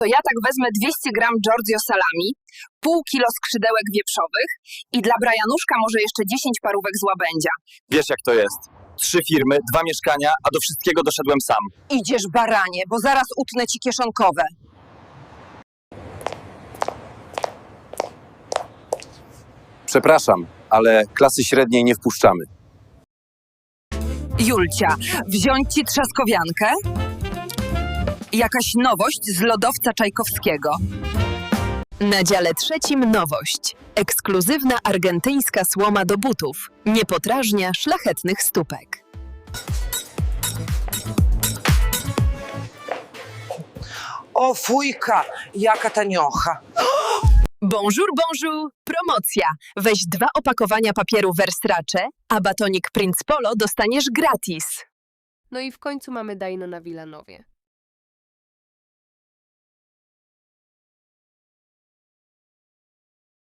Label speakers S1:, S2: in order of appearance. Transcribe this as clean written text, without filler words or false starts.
S1: To ja tak wezmę 200 gram Giorgio salami, pół kilo skrzydełek wieprzowych i dla Brajanuszka może jeszcze 10 parówek z łabędzia.
S2: Wiesz jak to jest. 3 firmy, 2 mieszkania, a do wszystkiego doszedłem sam.
S3: Idziesz, baranie, bo zaraz utnę ci kieszonkowe.
S2: Przepraszam, ale klasy średniej nie wpuszczamy.
S1: Julcia, wziąć ci trzaskowiankę? Jakaś nowość z lodowca Czajkowskiego.
S4: Na dziale 3 nowość. Ekskluzywna argentyńska słoma do butów. Nie podrażnia szlachetnych stópek.
S3: O fujka, jaka taniocha.
S4: Bonjour, bonjour! Promocja! Weź 2 opakowania papieru Versace, a batonik Prince Polo dostaniesz gratis.
S5: No i w końcu mamy Dajno na Wilanowie.